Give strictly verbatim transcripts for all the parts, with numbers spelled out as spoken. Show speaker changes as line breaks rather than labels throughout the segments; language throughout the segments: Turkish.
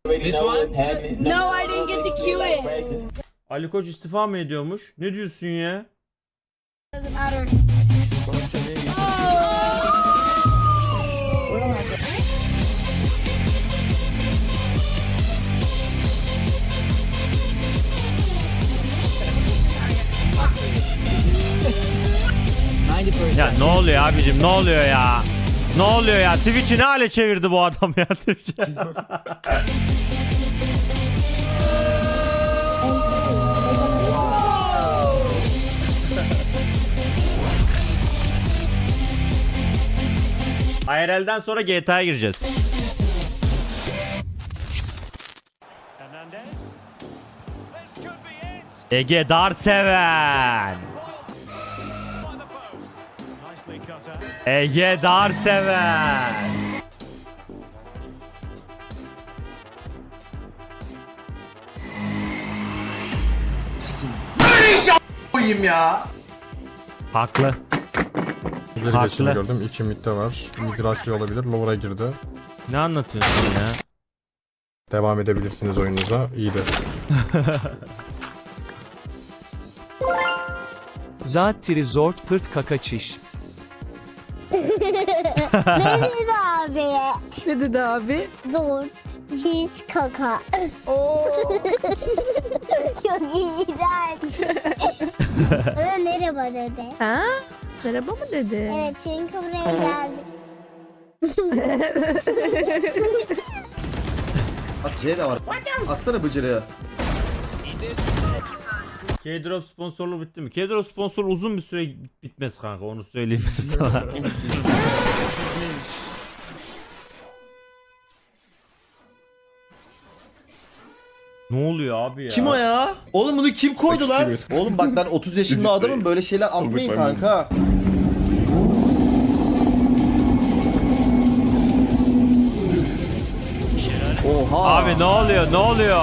This one?
No, I didn't get to cue it.
Ali Koç istifa mı ediyormuş? Ne diyorsun ya?
Doesn't matter.
Ya ne oluyor abicim, ne oluyor ya? Ne oluyor ya? Twitch'i ne hale çevirdi bu adam ya Twitch'i? I R L'den sonra G T A'ya gireceğiz. Ege Darseven. Ege Darseven.
koyayım ya.
Haklı.
Üzeri
Haklı.
geçini gördüm. İki midde var. Mid rush'lı olabilir. Lower'a girdi.
Ne anlatıyorsun ya?
Devam edebilirsiniz oyununuza. İyi de.
Zat trizort pırt kaka çiş.
Ne dedi abi?
Ne dedi abi?
Dur. Çiz kaka.
Oo.
Çok iğrenç. Bana merhaba dedi.
Ha? Merhaba mı dedi?
Evet çünkü buraya geldi.
Bak C de var. Atsana bıcırığı.
K-Drop sponsorluğu bitti mi? K-Drop sponsorluğu uzun bir süre bitmez kanka, onu söyleyeyim sana. Ne oluyor abi ya?
Kim o ya? Oğlum bunu kim koydu lan? Oğlum bak ben otuz yaşında adamım, böyle şeyler atmayın kanka.
Oha.
Abi ne oluyor? Ne oluyor?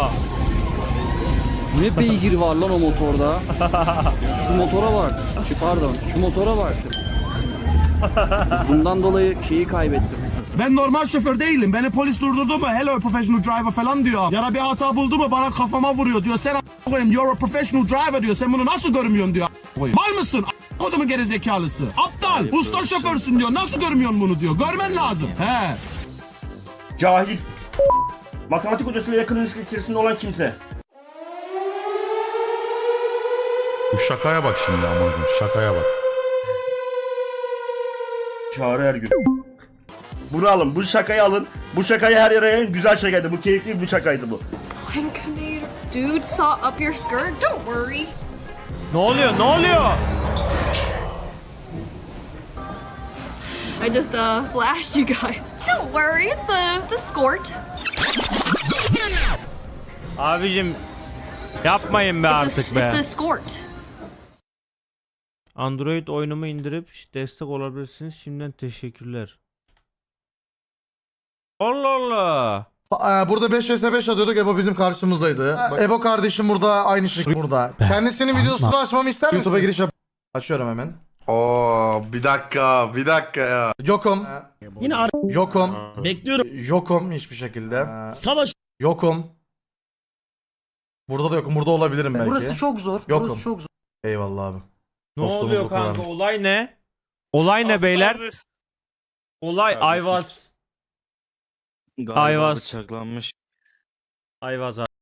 Ne beygir var lan o motorda. Şu motora bak. Şu pardon. Şu motora bak. Bundan dolayı şeyi kaybettim.
Ben normal şoför değilim. Beni polis durdurdu mu? Hello professional driver falan diyor. Ya da bir hata buldu mu bana kafama vuruyor diyor. Sen a**a koyayım, you're a professional driver diyor. Sen bunu nasıl görmüyorsun diyor. a**a koyayım. Mal mısın? A**a kodumun gerizekalısı. Aptal. Usta şoförsün diyor. Nasıl görmüyorsun bunu diyor. Görmen lazım. He.
Cahil. Matematik hocasıyla yakın ilişki içerisinde olan kimse.
Bu şakaya bak şimdi amacım. Şakaya bak.
Çağrı Ergün. Bunu alın, bu şakayı alın. Bu şakayı her yere yayın. Güzel şakaydı. Bu keyifli bir şakaydı bu.
Dude saw up your skirt. Don't worry.
Ne oluyor? Ne oluyor?
I just uh flashed you guys. Don't worry, it's a it's a skort.
Abicim yapmayın be
It's a,
artık be.
it's a skort.
Android oyunumu indirip destek olabilirsiniz. Şimdiden teşekkürler. Allah Allah.
Ba- e, Burada beş vs beş atıyorduk. Ebo bizim karşımızdaydı. Bak, Ebo kardeşim burada aynı şey burada. Kendisinin videosunu açmamı ister misin? YouTube'a giriş yap. Açıyorum hemen.
Oo bir dakika, bir dakika ya.
Yokum.
Yine ar-
Yokum.
Bekliyorum.
Yokum hiçbir şekilde.
Savaş.
Yokum. Burada da yokum. Burada olabilirim belki.
Burası çok zor.
Yokum.
Burası çok zor.
Eyvallah abi.
Ne
Dostumuz
oluyor
o kadar.
kanka? Olay ne? Olay ne beyler? Olay Ayvaz. Ayvaz.
Bıçaklanmış.
Ayvaz abi.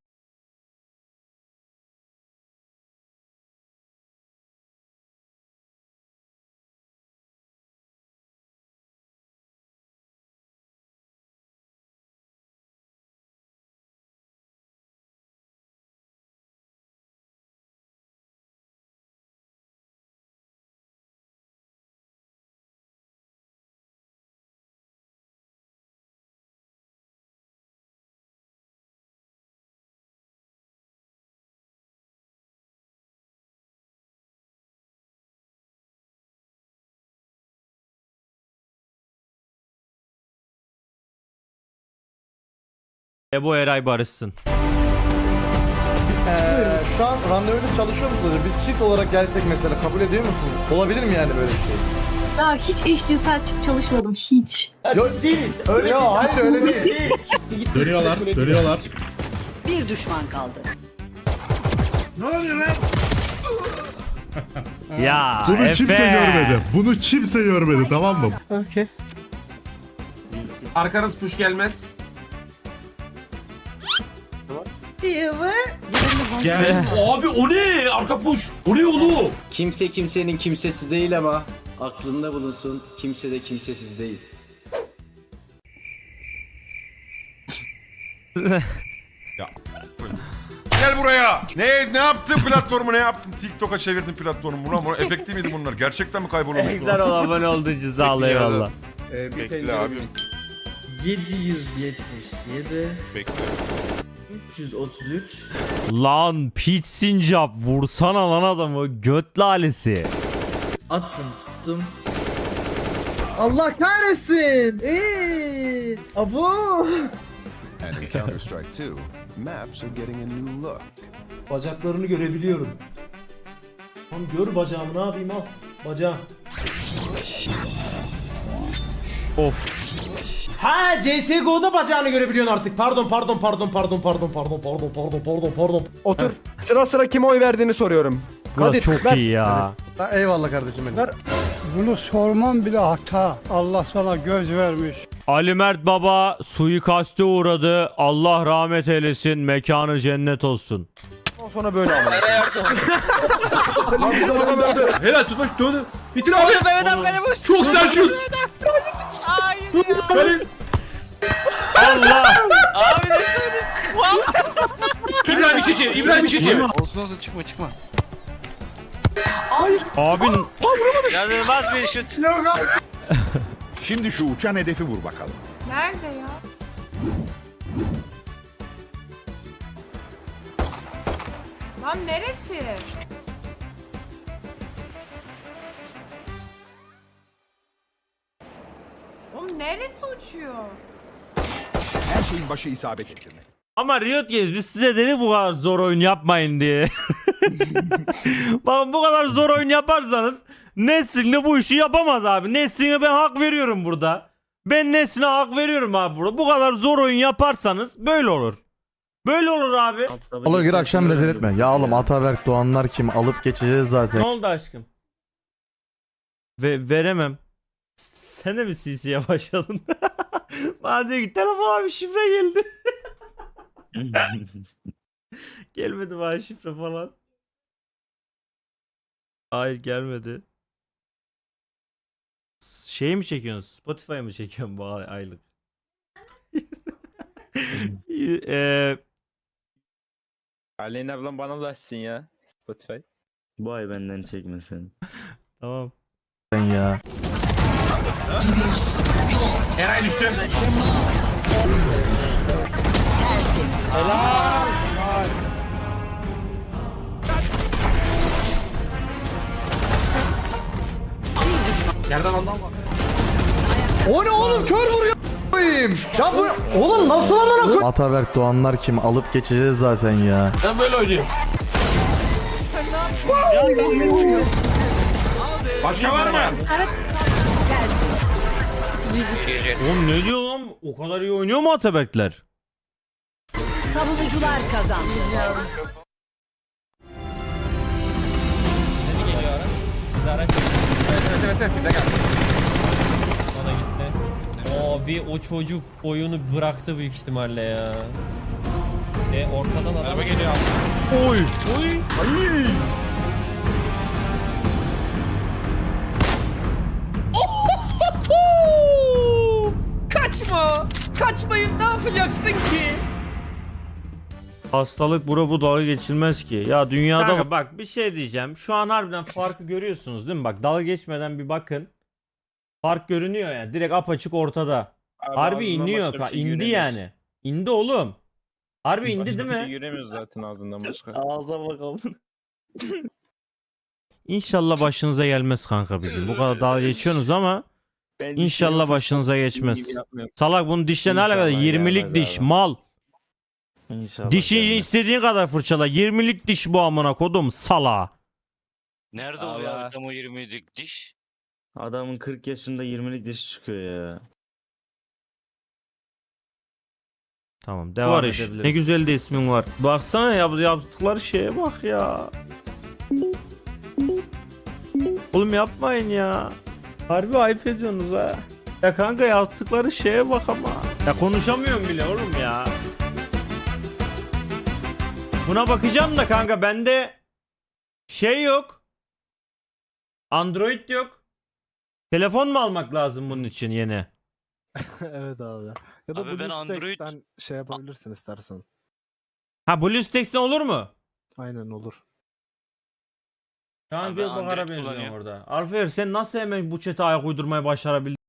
Ebo Eray barışsın.
Ee, şu an randevuyla çalışıyor musunuz? Biz çift olarak gelsek mesela kabul ediyor musunuz? Olabilir mi yani böyle bir şey?
Daha hiç eşcinsel çalışmadım hiç.
Yok değiliz. Öyle Yo, hayır öyle değil.
Dönüyorlar, dönüyorlar.
Bir düşman kaldı.
Ya
Bunu
Efe.
kimse görmedi. Bunu kimse görmedi, tamam mı?
Arkanız push gelmez. Gel. Abi o ne? Arka push. O ne oğlum?
Kimse kimsenin kimsesi değil ama aklında bulunsun, kimse de kimsesiz değil.
Gel buraya. Ne ne yaptın platformu, ne yaptın? TikTok'a çevirdin platformu. Buna, buna efektif miydi bunlar? Gerçekten mi kaybolmuş?
Güzel ol, abone olduğun için sağ ol, eyvallah.
Bekle abi.
yedi yüz yetmiş yedi.
Bekle.
üç yüz otuz üç.
Lan Pete Sincap vursana lan adamı, göt lalesi.
Attım tuttum. Allah kahretsin. Eee. Abo.
And in Counter-Strike two, maps are getting a new look.
Bacaklarını görebiliyorum. Tam gör bacağımı, ne yapayım, al. Bacağım.
Of.
Ha C S G O'da bacağını görebiliyorsun artık. Pardon pardon pardon pardon pardon pardon pardon pardon pardon pardon.
Otur. Sıra sıra kime oy verdiğini soruyorum.
Burası çok iyi ya.
Ha, eyvallah kardeşim benim.
Bunu sormam bile hata. Allah sana göz vermiş.
Ali Mert Baba suikaste uğradı. Allah rahmet eylesin. Mekanı cennet olsun.
Sonra böyle ama.
Helal tutmuş döndü. Bitir abi. Mehmet abi kale boş. Çok sert şut. Hayır ya.
Allah.
Abi ne söyledin? İbrahim İçici, İbrahim İçici.
Olsun olsun çıkma çıkma.
Abin
İnanılmaz bir şut.
Şimdi şu uçan hedefi vur bakalım.
Nerede ya? Lan neresi? Oğlum neresi uçuyor?
Her şeyin başı isabet ettirmek.
ama Riot Games biz size dedik bu kadar zor oyun yapmayın diye. Bakın bu kadar zor oyun yaparsanız Nesrin'le bu işi yapamaz abi. Nesrin'e ben hak veriyorum burada. Ben Nesrin'e hak veriyorum abi burada. Bu kadar zor oyun yaparsanız böyle olur. Böyle olur abi.
Oğlum gir akşam rezil etme. Ya oğlum Ataberk Doğanlar kim? Alıp geçeceğiz zaten.
Ne oldu aşkım? Ve veremem. Sen de mi C C'ye başladın? Bana diyor ki telefona bir şifre geldi. Gelmedi bana şifre falan. Hayır gelmedi. Şey mi çekiyorsun? Spotify mı çekiyorsun bu ay- aylık? Eee
Aleyna ablam bana ulaşsın ya. Spotify.
Bu ay benden çekmesin.
tamam.
Sen ya.
Eray düştü. Yerden ondan bak.
O ne oğlum, kör vuruyor koyayım. Ya bu oğlum nasıl amına koyayım? Ataberk Doğanlar kim? Alıp geçeceğiz zaten ya.
Ben böyle oynuyorum. Başka var mı?
Oğlum ne diyor lan? O kadar iyi oynuyor mu Ataberkler?
Savunucular kazandı.
Abi o çocuk oyunu bıraktı büyük ihtimalle ya. E ortadan araba geliyor.
Oy. Oy. Ay.
Kaçma! Kaçmayın, ne yapacaksın ki?
Hastalık bura bu dalga geçilmez ki. Ya dünyada Kanka, bak bir şey diyeceğim. Şu an harbiden farkı görüyorsunuz değil mi? Bak dalga geçmeden bir bakın. Fark görünüyor yani. Direkt apaçık ortada.
Abi
Harbi iniyor. Ka-
şey
indi yani. İndi oğlum. Harbi indi değil mi?
Şey göremiyoruz zaten ağzından başka.
Ağza bakalım.
İnşallah başınıza gelmez kanka bir gün. Bu kadar dalga geçiyorsunuz ama İnşallah başınıza geçmez. Salak bunun dişle ne alakalı? yirmilik diş
abi.
mal.
İnşallah.
Dişi
gelmez.
istediğin kadar fırçala. yirmilik diş bu amına kodum sala.
Nerede oluyor tam o yirmilik diş?
Adamın kırk yaşında yirmilik dişi çıkıyor ya.
Tamam devam
Var iş.
edebiliriz. Ne güzel de ismin var. Baksana yap yaptıkları şeye bak ya. Oğlum yapmayın ya. Harbi ayıp ediyorsunuz ha. Ya kanka yaptıkları şeye bak ama. Ya konuşamıyorum bile oğlum ya. Buna bakacağım da kanka bende şey yok. Android yok. Telefon mu almak lazım bunun için yeni?
Evet abi. Ya da
Abi ben Android-
BlueStacks'ten şey yapabilirsin istersen.
Ha BlueStacks'ten olur mu?
Aynen olur.
Şu an
Abi
bir
ben
bakara
Android
benziyorum
kullanıyorum.
orada. Alfer sen nasıl hemen bu chat'e ayak uydurmayı başarabildin?